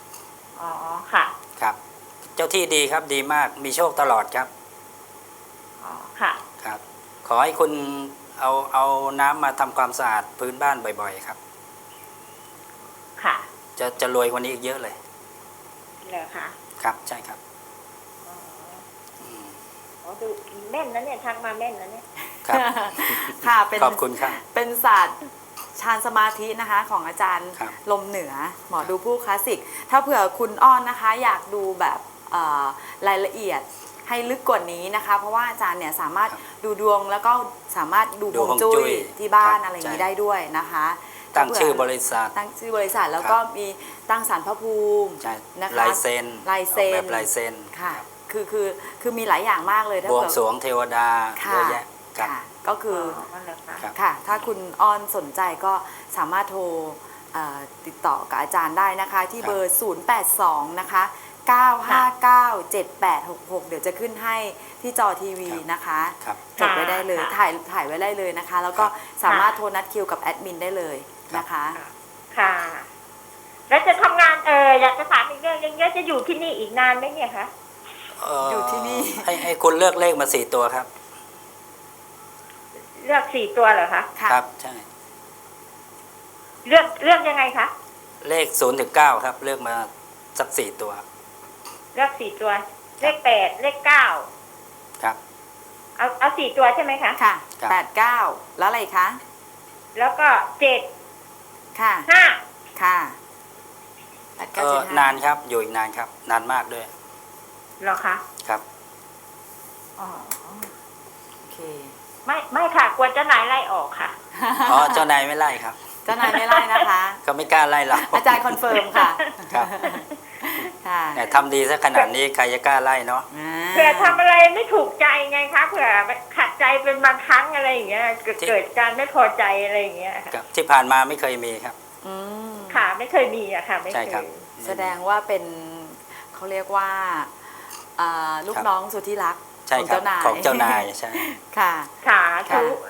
[SPEAKER 3] อ๋อ ค่ะ
[SPEAKER 2] ครับ เจ้าที่ดีครับดีมากมีโชคตลอดครับ
[SPEAKER 3] ค่ะ
[SPEAKER 2] ครับ ขอให้คุณเอาเอาน้ำมาทำความสะอาดพื้นบ้านบ่อยๆครับ
[SPEAKER 3] ค่ะ
[SPEAKER 2] จะจะรวยกว่านี้อีกเยอะเลย
[SPEAKER 3] เหรอคะ
[SPEAKER 2] ครับใช่ครับ
[SPEAKER 3] อ๋อ
[SPEAKER 2] อืม
[SPEAKER 3] อ๋อดูแม่นนะเนี่ยทักมาแม่นนะเนี่ย
[SPEAKER 2] ครับ
[SPEAKER 1] ค่ะเป็น
[SPEAKER 2] ขอบคุณครับ
[SPEAKER 1] เป็นศาสตร์ฌานสมาธินะคะของอาจารย์
[SPEAKER 2] ครับ
[SPEAKER 1] ลมเหนือหมอดูผู้คลาสสิก ถ้าเผื่อคุณอ้อนนะคะ อยากดูแบบเอ่อรายละเอียดให้ลึกกว่านี้นะคะ เพราะว่าอาจารย์เนี่ยสามารถดูดวงแล้วก็สามารถดู
[SPEAKER 2] ดู
[SPEAKER 1] ฮวง
[SPEAKER 2] ฮวง
[SPEAKER 1] จุ้
[SPEAKER 2] จุ้
[SPEAKER 1] ย
[SPEAKER 2] ย
[SPEAKER 1] ที่บ้าน
[SPEAKER 2] ครับ
[SPEAKER 1] อะไรอย่างนี้
[SPEAKER 2] ใช่
[SPEAKER 1] ได้ด้วยนะคะ
[SPEAKER 2] ตั้ง
[SPEAKER 1] ถ้าเผื่
[SPEAKER 2] ชื่อบริษัท
[SPEAKER 1] ตั้งชื่อบริษัทแล้วก็มีตั้งศาลพระภูมิ
[SPEAKER 2] ใช่
[SPEAKER 1] นะคะ
[SPEAKER 2] ลายเซ็น
[SPEAKER 1] ลายเซ็น
[SPEAKER 2] ออกแบบลายเซ็น
[SPEAKER 1] ค่ะ คือคือคือมีหลายอย่างมากเลยถ้า
[SPEAKER 2] บวง
[SPEAKER 1] เผื่อ
[SPEAKER 2] สรวงเทวดา
[SPEAKER 1] ค่ะ
[SPEAKER 2] เยอะแยะครับ
[SPEAKER 1] ค่ะก็คือ
[SPEAKER 3] อ๋อเหรอคะ
[SPEAKER 2] ครับ
[SPEAKER 1] ค่ะ ถ้าคุณอ้อนสนใจก็สามารถโทรเอ่อติดต่อกับอาจารย์ได้นะคะ ที่เบอร์ ศูนย์ แปด สอง นะคะ เก้า ห้า เก้า เจ็ด แปด หก หก เดี๋ยวจะขึ้นให้ที่จอทีวีนะคะ
[SPEAKER 2] ครับ
[SPEAKER 1] จดไว้ได้เลย ถ่ายถ่ายไว้ได้เลยนะคะ แล้วก็สามารถโทรนัดคิวกับแอดมินได้เลยนะคะ
[SPEAKER 3] ค่ะ แล้วจะทำงานเอออยากจะถามอีกเรื่องยังจะอยู่ที่นี่อีกนานไหมเนี่ยคะ
[SPEAKER 2] เ
[SPEAKER 1] อยู่ที่นี่
[SPEAKER 2] ให้ให้คุณเลือกเลขมาสี่ตัวครับ
[SPEAKER 3] เลือกสี่ตัวเหรอคะ
[SPEAKER 1] ค่ะ
[SPEAKER 2] ครับใช่
[SPEAKER 3] เลือกเลือกยังไงคะ
[SPEAKER 2] เลขศูนย์ถึงเก้าครับ เลือกมาสักสี่ตัว
[SPEAKER 3] เลือกสี่ตัว เลขแปดเลขเก้า
[SPEAKER 2] ครับ
[SPEAKER 3] เอาเอาสี่ตัวใช่ไหมคะ
[SPEAKER 1] ค่ะ
[SPEAKER 2] ครับ
[SPEAKER 1] แปด เก้า แล้วอะไรคะ
[SPEAKER 3] แล้วก็เจ็ด
[SPEAKER 1] ค่ะ
[SPEAKER 3] ห้า
[SPEAKER 1] ค่ะแปด
[SPEAKER 2] เอ
[SPEAKER 1] เก้า
[SPEAKER 2] อ
[SPEAKER 1] เจ็ดห้าน
[SPEAKER 2] านครับ อยู่อีกนานครับ นานมากด้วย
[SPEAKER 3] เหรอคะ
[SPEAKER 2] ครับ
[SPEAKER 3] อ๋อ
[SPEAKER 1] โอเค
[SPEAKER 3] ไม่ไม่ค่ะกลัวเจ้านายไล่ออกค่ะ
[SPEAKER 2] อ๋อ เจ้านายไม่ไล่ครับ
[SPEAKER 1] เจ้านายไม่ไล่นะคะ
[SPEAKER 2] ก็ไม่กล้าไล่เรา
[SPEAKER 1] อาจารย์คอนเฟิร์มค่ะ
[SPEAKER 2] ครับ
[SPEAKER 1] ค่ะ
[SPEAKER 2] แต่ทำดีซะขนาดนี้ใครจะกล้าไล่เนาะ
[SPEAKER 1] อ่า
[SPEAKER 3] เผื่อทำอะไรไม่ถูกใจไงคะเผื่อขัดใจเป็นบางครั้งอะไรอย่างเงี้ยเกิด
[SPEAKER 2] ที่
[SPEAKER 3] เกิดการไม่พอใจอะไรอย่างเงี้ยค่ะ
[SPEAKER 2] ครับที่ผ่านมาไม่เคยมีครับ
[SPEAKER 1] อืม
[SPEAKER 3] ค่ะไม่เคยมีอะค่ะ ไม่
[SPEAKER 2] ใช่
[SPEAKER 3] เค
[SPEAKER 2] ครับ
[SPEAKER 3] ย
[SPEAKER 1] แสดงว่าเป็นเขาเรียกว่าอ่าลูก
[SPEAKER 2] ครับ
[SPEAKER 1] น้องสุดที่รัก
[SPEAKER 2] ใช่
[SPEAKER 1] ของ
[SPEAKER 2] ครับ
[SPEAKER 1] เจ้านาย
[SPEAKER 2] ของเจ้านายใช่
[SPEAKER 1] ค่ะ
[SPEAKER 3] ค่ะทุก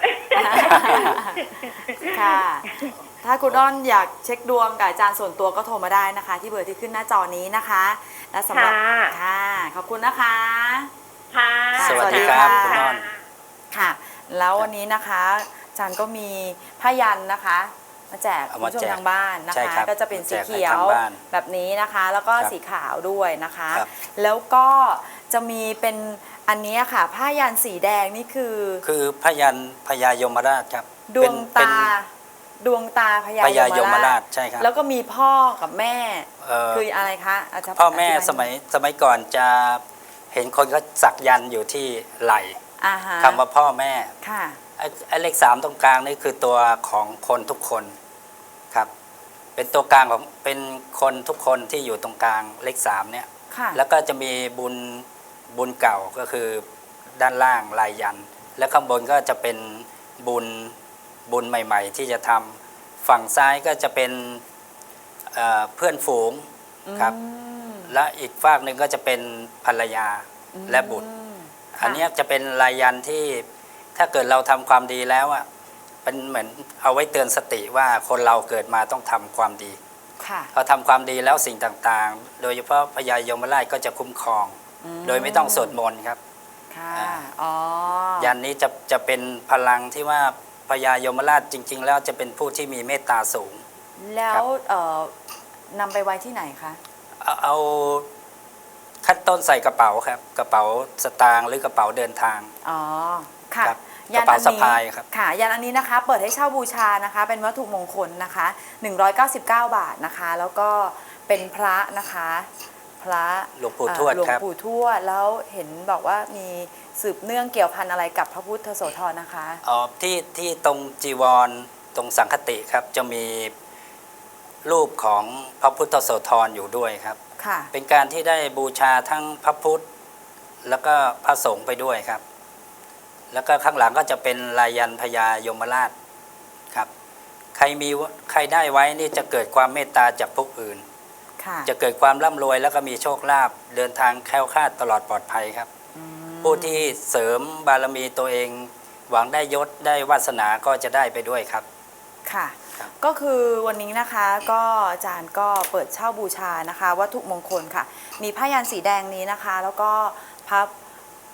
[SPEAKER 1] ค่ะ ถ้าคุณอ้อนอยากเช็คดวงกับอาจารย์ส่วนตัวก็โทรมาได้นะคะ ที่เบอร์ที่ขึ้นหน้าจอนี้นะคะ และสำหรับ
[SPEAKER 3] ค่ะ
[SPEAKER 1] ค่ะ ขอบคุณนะคะ
[SPEAKER 3] ค่ะ
[SPEAKER 2] สวัสดีครับ
[SPEAKER 1] สวัสดี
[SPEAKER 2] คุณ
[SPEAKER 1] ค่ะ
[SPEAKER 2] อ้อน
[SPEAKER 1] ค่ะ แล้ววันนี้นะคะอาจารย์ก็มีผ้ายันนะคะ มาแจก
[SPEAKER 2] เอา
[SPEAKER 1] คุณ
[SPEAKER 2] มา
[SPEAKER 1] ผู้ชม
[SPEAKER 2] แจก
[SPEAKER 1] ทางบ้านนะ
[SPEAKER 2] ใช่
[SPEAKER 1] คะ
[SPEAKER 2] ครับ
[SPEAKER 1] ก็จะเป็นสี
[SPEAKER 2] มาแจกให้
[SPEAKER 1] เขียว
[SPEAKER 2] ทางบ้าน
[SPEAKER 1] แบบนี้นะคะ แล้วก็
[SPEAKER 2] ครับ
[SPEAKER 1] สีขาวด้วยนะคะ
[SPEAKER 2] ครับ
[SPEAKER 1] แล้วก็จะมีเป็นอันนี้ค่ะ ผ้ายันสีแดงนี่คือ
[SPEAKER 2] คือพยันพญายมราชครับ
[SPEAKER 1] ดวง
[SPEAKER 2] เป็น
[SPEAKER 1] ตา ดวงตาพญา
[SPEAKER 2] พญาย
[SPEAKER 1] ย
[SPEAKER 2] ม
[SPEAKER 1] ม
[SPEAKER 2] รา
[SPEAKER 1] รา
[SPEAKER 2] ช
[SPEAKER 1] ช
[SPEAKER 2] ใช่ครับ
[SPEAKER 1] แล้วก็มีพ่อกับแม่
[SPEAKER 2] เอ่อ
[SPEAKER 1] คืออะไรคะอาจารย์
[SPEAKER 2] พ่อแม่
[SPEAKER 1] ธิบา
[SPEAKER 2] สมัยสมัยก่อนจะเห็นคนเขาสักยันต์อยู่ที่ไหล่
[SPEAKER 1] อ่าฮะ
[SPEAKER 2] คำว่าพ่อแม่
[SPEAKER 1] ค่ะ
[SPEAKER 2] ไอ้ไอ้เลขสามตรงกลางนี่คือตัวของคนทุกคนครับ เป็นตัวกลางของเป็นคนทุกคนที่อยู่ตรงกลางเลขสามเนี่ย
[SPEAKER 1] ค่ะ
[SPEAKER 2] แล้วก็จะมีบุญบุญเก่าก็คือด้านล่างลายยันต์และข้างบนก็จะเป็นบุญบุญใหม่ ๆ ที่จะทำฝั่งซ้ายก็จะเป็นเอ่อเพื่อนฝูงครับ
[SPEAKER 1] อืม
[SPEAKER 2] และอีกฝากหนึ่งก็จะเป็นภรรยาและบุตร
[SPEAKER 1] อืม
[SPEAKER 2] อันเนี้ยจะเป็นลายยันต์ที่ถ้าเกิดเราทำความดีแล้วอ่ะเป็นเหมือนเอาไว้เตือนสติว่าคนเราเกิดมาต้องทำความดี
[SPEAKER 1] ค่ะ
[SPEAKER 2] พอทำความดีแล้วสิ่งต่างๆ โดยเฉพาะพญายมราชก็จะคุ้มครอง โดยไม่ต้องสวดมนต์ครับ
[SPEAKER 1] ค่ะ
[SPEAKER 2] อ่า
[SPEAKER 1] อ๋อ
[SPEAKER 2] ยันนี้จะจะเป็นพลังที่ว่าพญายมราชจริง ๆ แล้วจะเป็นผู้ที่มีเมตตาสูง
[SPEAKER 1] แล้วเอ่อนำไปไว้ที่ไหนคะ
[SPEAKER 2] เอาเอาขั้นต้นใส่กระเป๋าครับ กระเป๋าสตางค์หรือกระเป๋าเดินทาง
[SPEAKER 1] อ๋อ ค่ะ
[SPEAKER 2] ครับกระเป๋าสะพายครับ
[SPEAKER 1] ค่ะ ยันอันนี้นะคะ เปิดให้เช่าบูชานะคะ เป็นวัตถุมงคลนะคะหนึ่งร้อยเก้าสิบเก้าบาทนะคะ แล้วก็เป็นพระนะคะ พระ
[SPEAKER 2] หลวงปู่ทวด
[SPEAKER 1] เอ่อหลวง
[SPEAKER 2] ครับ
[SPEAKER 1] ปู่ทวด แล้วเห็นบอกว่ามีสืบเนื่องเกี่ยวพันอะไรกับพระพุทธโสธรนะคะ
[SPEAKER 2] อ๋อที่ที่ตรงจีวรตรงสังคติครับ จะมีรูปของพระพุทธโสธรอยู่ด้วยครับ
[SPEAKER 1] ค่ะ
[SPEAKER 2] เป็นการที่ได้บูชาทั้งพระพุทธแล้วก็พระสงฆ์ไปด้วยครับ แล้วก็ข้างหลังก็จะเป็นลายยันต์พญายมราชครับ ใครมีใครได้ไว้นี่จะเกิดความเมตตาจากผู้อื่น
[SPEAKER 1] ค่ะ
[SPEAKER 2] จะเกิดความร่ำรวยแล้วก็มีโชคลาภเดินทางแคล้วคลาดตลอดปลอดภัยครับ
[SPEAKER 1] อืม
[SPEAKER 2] ผู้ที่เสริมบารมีตัวเอง หวังได้ยศได้วาสนาก็จะได้ไปด้วยครับ
[SPEAKER 1] ค่ะ
[SPEAKER 2] ครับ
[SPEAKER 1] ก็คือวันนี้นะคะก็อาจารย์ก็เปิดเช่าบูชานะคะ วัตถุมงคลค่ะ มีผ้ายันสีแดงนี้นะคะ แล้วก็พระ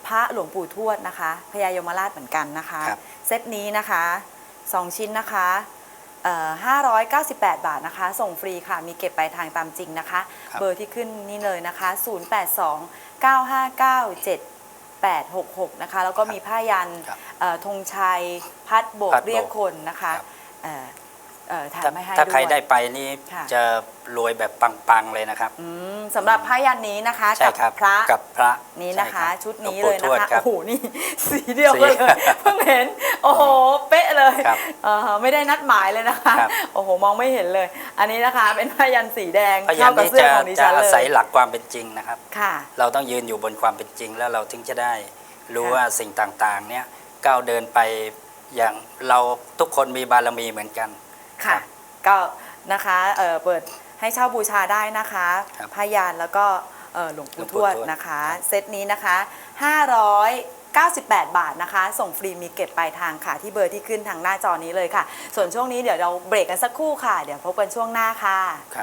[SPEAKER 1] พระหลวงปู่ทวดนะคะพญายมราชเหมือนกันนะคะ
[SPEAKER 2] ครับ
[SPEAKER 1] เซตนี้นะคะสองชิ้นนะคะเอ่อห้าร้อยเก้าสิบแปดบาทนะคะส่งฟรีค่ะมีเก็บปลายทางตามจริงนะคะ
[SPEAKER 2] ครับ
[SPEAKER 1] เบอร์ที่ขึ้นนี่เลยนะคะศูนย์ แปด สอง เก้า ห้า เก้า เจ็ด แปด หก หกนะคะแล้วก็มีผ้ายัน
[SPEAKER 2] ครับ
[SPEAKER 1] เอ่อธงชัยพัดโบก
[SPEAKER 2] พัดโบก
[SPEAKER 1] เรียกคนนะคะ
[SPEAKER 2] ครับ
[SPEAKER 1] เอ่อเอ่อถ่าย
[SPEAKER 2] ถ้า
[SPEAKER 1] ไม่ให้
[SPEAKER 2] ถ้าใคร
[SPEAKER 1] ด้วย
[SPEAKER 2] ได้ไปนี่
[SPEAKER 1] ค่ะ
[SPEAKER 2] จะรวยแบบปังๆเลยนะครับ
[SPEAKER 1] อืมสำหรับผ้ายันนี้นะคะ
[SPEAKER 2] ใช่
[SPEAKER 1] กับ
[SPEAKER 2] ครับ
[SPEAKER 1] พระ
[SPEAKER 2] กับพระ
[SPEAKER 1] นี้นะคะ
[SPEAKER 2] ใรับ
[SPEAKER 1] ชุดนี้
[SPEAKER 2] ห
[SPEAKER 1] เล
[SPEAKER 2] วย ง
[SPEAKER 1] นะ
[SPEAKER 2] ปู่ทวด
[SPEAKER 1] คะ
[SPEAKER 2] รับ
[SPEAKER 1] โอ้โหนี่ สีเดียวกัน
[SPEAKER 2] สี
[SPEAKER 1] เลยเพิ่งเห็นโอ้โหเป๊ะเลย
[SPEAKER 2] ครับ
[SPEAKER 1] เอ่อไม่ได้นัดหมายเลยนะคะ
[SPEAKER 2] ครับ
[SPEAKER 1] โอ้โหมองไม่เห็นเลย อันนี้นะคะเป็นผ้ายันสีแดง
[SPEAKER 2] พยั
[SPEAKER 1] เข้าน กับ
[SPEAKER 2] นี้
[SPEAKER 1] เสื้อ
[SPEAKER 2] จะ
[SPEAKER 1] ของดิ
[SPEAKER 2] จะ
[SPEAKER 1] ฉันเล
[SPEAKER 2] อาศัย
[SPEAKER 1] ย
[SPEAKER 2] หลักความเป็นจริงนะครับ
[SPEAKER 1] ค่ะ
[SPEAKER 2] เราต้องยืนอยู่บนความเป็นจริง แล้วเราถึงจะได้รู้
[SPEAKER 1] ค่ะ
[SPEAKER 2] ว่าสิ่งต่างๆ เนี่ยก้าวเดินไปอย่างเราทุกคนมีบารมีเหมือนกัน
[SPEAKER 1] ค่ะ
[SPEAKER 2] ครับ
[SPEAKER 1] ก็นะคะเอ่อเปิดให้เช่าบูชาได้นะคะ
[SPEAKER 2] ครับ
[SPEAKER 1] พยานแล้วก็เอ่อหลวง
[SPEAKER 2] หลว
[SPEAKER 1] ปู่
[SPEAKER 2] ง
[SPEAKER 1] ท
[SPEAKER 2] ปู่
[SPEAKER 1] วด
[SPEAKER 2] ทวด
[SPEAKER 1] นะคะ
[SPEAKER 2] ครับ
[SPEAKER 1] เซตนี้นะคะห้าร้อยเก้าสิบแปดบาทนะคะ ส่งฟรีมีเก็บปลายทางค่ะ ที่เบอร์ที่ขึ้นทางหน้าจอนี้เลยค่ะ ส่วนช่วงนี้เดี๋ยวเราเบรกกันสักครู่ค่ะ เดี๋ยวพบกันช่วงหน้าค่ะ